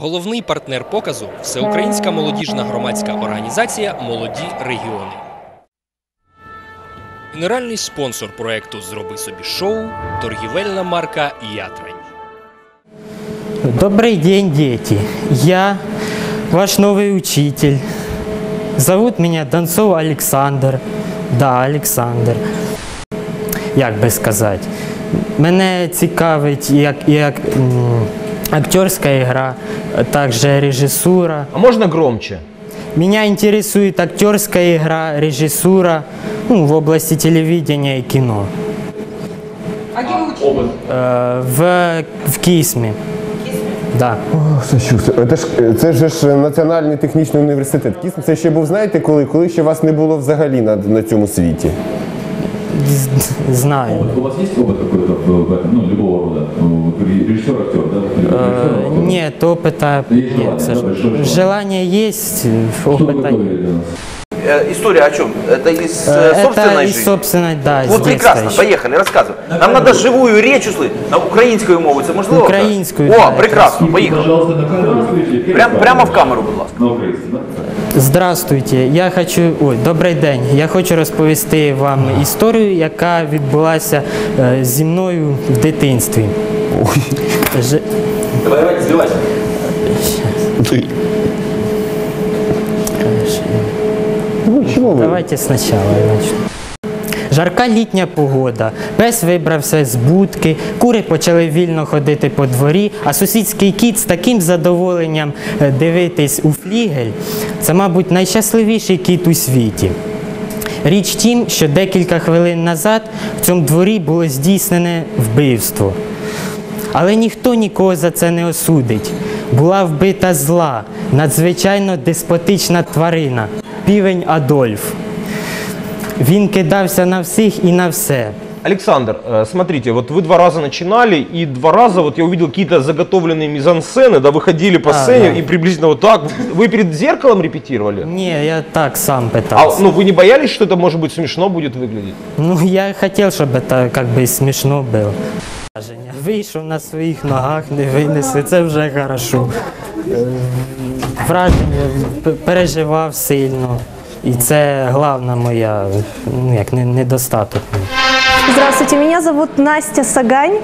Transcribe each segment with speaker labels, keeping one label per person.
Speaker 1: Головний партнер показу – Всеукраїнська молодіжна громадська організація «Молоді регіони». Генеральний спонсор проєкту «Зроби собі шоу» – торгівельна марка «Ятрань».
Speaker 2: Добрый день, дети. Я ваш новый учитель. Зовут меня Донцов Александр. Да, Александр. Як би сказати. Мене цікавить як актерська гра, також режисура.
Speaker 3: А можно громче?
Speaker 2: Меня интересует актерская игра, режиссура в области телевидения и кино.
Speaker 4: А где вы учились?
Speaker 2: В КИСМе. Да.
Speaker 5: Це ж Національний технічний університет. Це ще був, знаєте, коли ще вас не було взагалі на цьому світі?
Speaker 2: Знаю.
Speaker 6: У вас есть опыт какой-то, любого рода? Режиссер, актер, да?
Speaker 2: Нет, опыта нет. Желание есть, опыта нет.
Speaker 7: История о чем? Это из собственной жизни?
Speaker 2: Из собственной, да.
Speaker 7: Вот прекрасно, поехали, рассказывай. Нам надо живую речь услышать. На украинскую мову, это можливо?
Speaker 2: Українською,
Speaker 7: О,
Speaker 2: да,
Speaker 7: прекрасно, поехали.
Speaker 6: Пожалуйста, на камеру.
Speaker 7: Прямо в камеру, будь ласка.
Speaker 6: На українську, да?
Speaker 2: Здравствуйте, добрий день. Я хочу розповісти вам історію, яка відбулася зі мною в дитинстві.
Speaker 7: Давайте, сбивайся.
Speaker 2: Давайте спочатку я начну. Жарка літня погода, пес вибрався з будки, кури почали вільно ходити по дворі, а сусідський кіт з таким задоволенням дивитись у флігель. Це, мабуть, найщасливіший кіт у світі. Річ тім, що декілька хвилин назад в цьому дворі було здійснене вбивство. Але ніхто нікого за це не осудить. Була вбита зла, надзвичайно деспотична тварина – півень Адольф. Він кидався на всіх і на все.
Speaker 3: Александр, смотрите, вот вы 2 раза начинали, и 2 раза вот я увидел какие-то заготовленные мизансцены, да, вы ходили по сцене
Speaker 2: да.
Speaker 3: и приблизительно вот так. Вы перед зеркалом репетировали?
Speaker 2: Ні, я так сам
Speaker 3: А
Speaker 2: питався.
Speaker 3: вы не боялись, что это, может быть, смешно будет выглядеть?
Speaker 2: Я хотів, щоб це смішно було. Вийшов на своїх ногах, не винесли, це вже хорошо. Враження, переживав сильно. І це головна моя, недостаток.
Speaker 8: Здравствуйте, меня зовут Настя Сагань.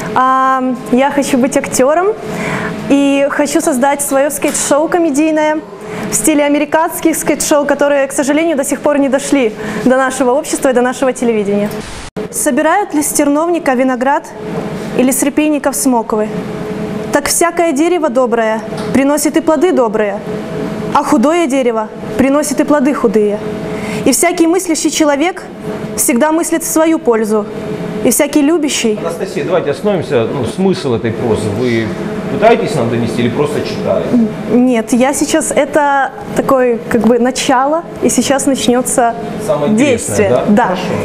Speaker 8: Я хочу быть актером и хочу создать свое скетч-шоу комедийное в стиле американских скетч-шоу, которые, к сожалению, до сих пор не дошли до нашего общества и до нашего телевидения. Собирают ли с терновника виноград или с репейников смоковы? Так всякое дерево доброе приносит и плоды добрые, а худое дерево приносит и плоды худые. И всякий мыслящий человек всегда мыслит в свою пользу, и всякий любящий...
Speaker 3: Анастасия, давайте остановимся, смысл этой прозы. Вы пытаетесь нам донести или просто читаете?
Speaker 8: Нет, я сейчас, это такое начало, и сейчас начнется действие.
Speaker 3: Да?
Speaker 8: Да.
Speaker 3: Хорошо.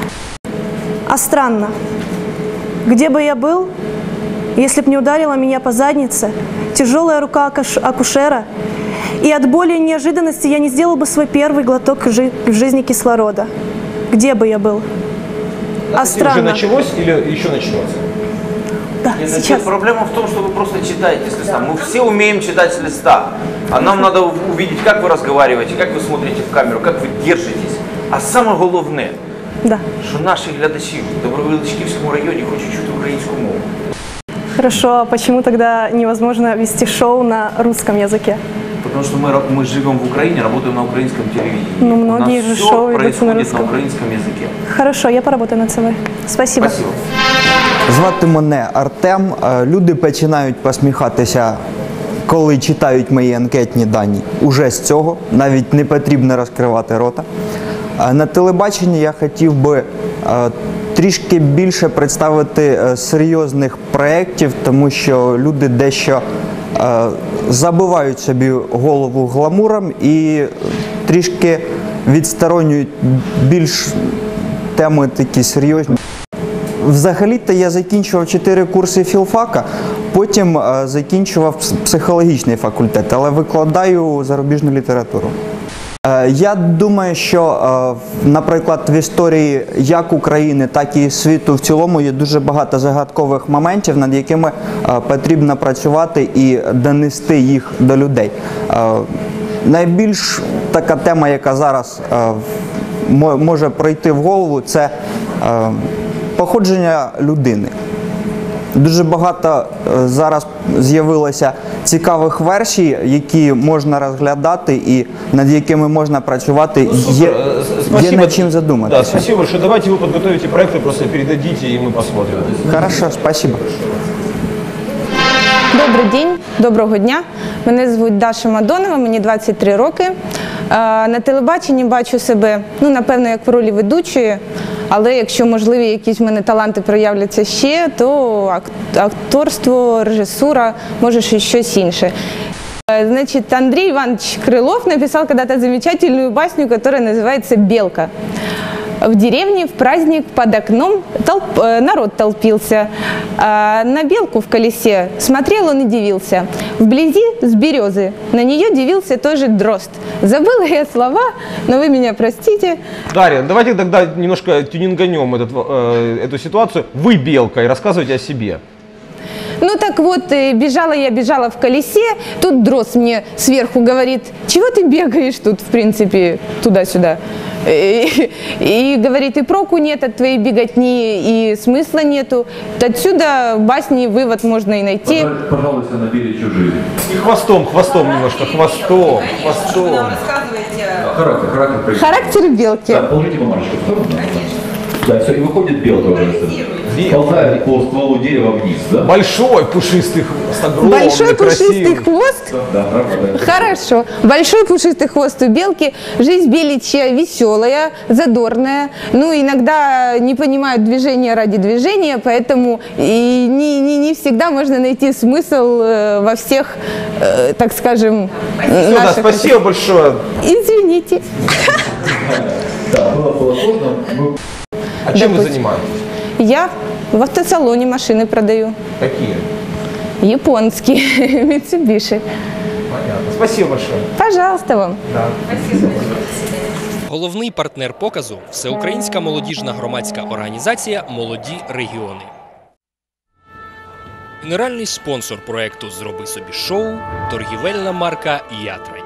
Speaker 8: А странно, где бы я был, если б не ударила меня по заднице тяжелая рука акушера, и от боли и неожиданности я не сделал бы свой первый глоток в жизни кислорода. Где бы я был? А странно.
Speaker 3: Уже началось или еще начнется?
Speaker 8: Да,
Speaker 7: Нет,
Speaker 8: сейчас.
Speaker 7: проблема в том, что вы просто читаете с листа. Мы все умеем читать с листа. А нам надо увидеть, как вы разговариваете, как вы смотрите в камеру, как вы держитесь. А самое головне,
Speaker 8: Да.
Speaker 7: що наші глядачі в Добровиличківському районі хочуть чути українську мову.
Speaker 8: Хорошо, а почему тогда невозможно вести шоу на русском языке?
Speaker 7: Потому что мы живем в Украине, работаем на украинском телевидении.
Speaker 8: Ну, многие
Speaker 7: У
Speaker 8: же
Speaker 7: нас
Speaker 8: шоу
Speaker 7: все
Speaker 8: идут на
Speaker 7: происходит
Speaker 8: русском.
Speaker 7: на украинском языке.
Speaker 8: Хорошо, я поработаю над собой. Спасибо.
Speaker 7: Спасибо.
Speaker 9: Звати мене Артем. Люди починають посміхатися, коли читають мої анкетні дані. Уже з цього, навіть не потрібно розкривати рота. На телебаченні я хотів би трішки більше представити серйозних проєктів, тому що люди дещо забивають собі голову гламуром і трішки відсторонюють більш теми такі серйозні. Взагалі-то я закінчував 4 курси філфака, потім закінчував психологічний факультет, але викладаю зарубіжну літературу. Я думаю, що, наприклад, в історії як України, так і світу в цілому є дуже багато загадкових моментів, над якими потрібно працювати і донести їх до людей. Найбільш така тема, яка зараз може прийти в голову, це походження людини. Дуже багато зараз з'явилося цікавих версій, які можна розглядати і над якими можна працювати. Є над чим задуматися.
Speaker 3: Да, спасибо большое. Давайте вы подготовите проекты, просто передадите, и мы посмотрим.
Speaker 9: Хорошо, спасибо.
Speaker 10: Добрий день, доброго дня. Мене звуть Даша Мадонова, мені 23 роки. На телебаченні бачу себе, напевно, як в ролі ведучої, але якщо можливі якісь в мене таланти проявляться ще, то акторство, режисура, може щось інше. Значит, Андрей Иванович Крылов написал когда-то замечательную басню, которая называется «Белка». В деревне в праздник под окном народ толпился. На белку в колесе смотрел он и дивился. Вблизи с березы на нее дивился тоже дрозд. Забыла я слова, но вы меня простите.
Speaker 3: Дарья, давайте тогда немножко тюнинганем эту ситуацию. Вы белка и рассказывайте о себе.
Speaker 10: Ну так вот, бежала в колесе, тут дрозд мне сверху говорит: чего ты бегаешь тут, в принципе, туда-сюда? И говорит, и проку нет от твоей беготни, и смысла нету. Отсюда басни вывод можно и найти.
Speaker 6: Пожалуйста, на беличью жизнь.
Speaker 3: И хвостом немножко, хвостом.
Speaker 10: Характер белки.
Speaker 6: Да, положите бумажечку. Да, все, и выходит белка уже. Ползает по стволу дерева вниз, да?
Speaker 3: Большой пушистый хвост, огромный,
Speaker 10: Большой пушистый
Speaker 3: красивый.
Speaker 10: хвост?
Speaker 6: Да,
Speaker 10: Хорошо. Большой пушистый хвост у белки. Жизнь беличья веселая, задорная. Иногда не понимают движения ради движения, поэтому и не всегда можно найти смысл во всех, так скажем,
Speaker 3: Все, да, спасибо большое.
Speaker 10: Извините.
Speaker 6: Да, было сложно.
Speaker 3: А чем вы занимаетесь?
Speaker 10: Я в автосалоне машины продаю.
Speaker 3: Какие?
Speaker 10: Японские, Mitsubishi.
Speaker 3: Понятно. Спасибо большое.
Speaker 10: Пожалуйста вам.
Speaker 3: Да.
Speaker 1: Головний партнер показу – Всеукраїнська молодіжна громадська організація «Молоді регіони». Генеральний спонсор проекту «Зроби собі шоу» – торгівельна марка «Ятрай».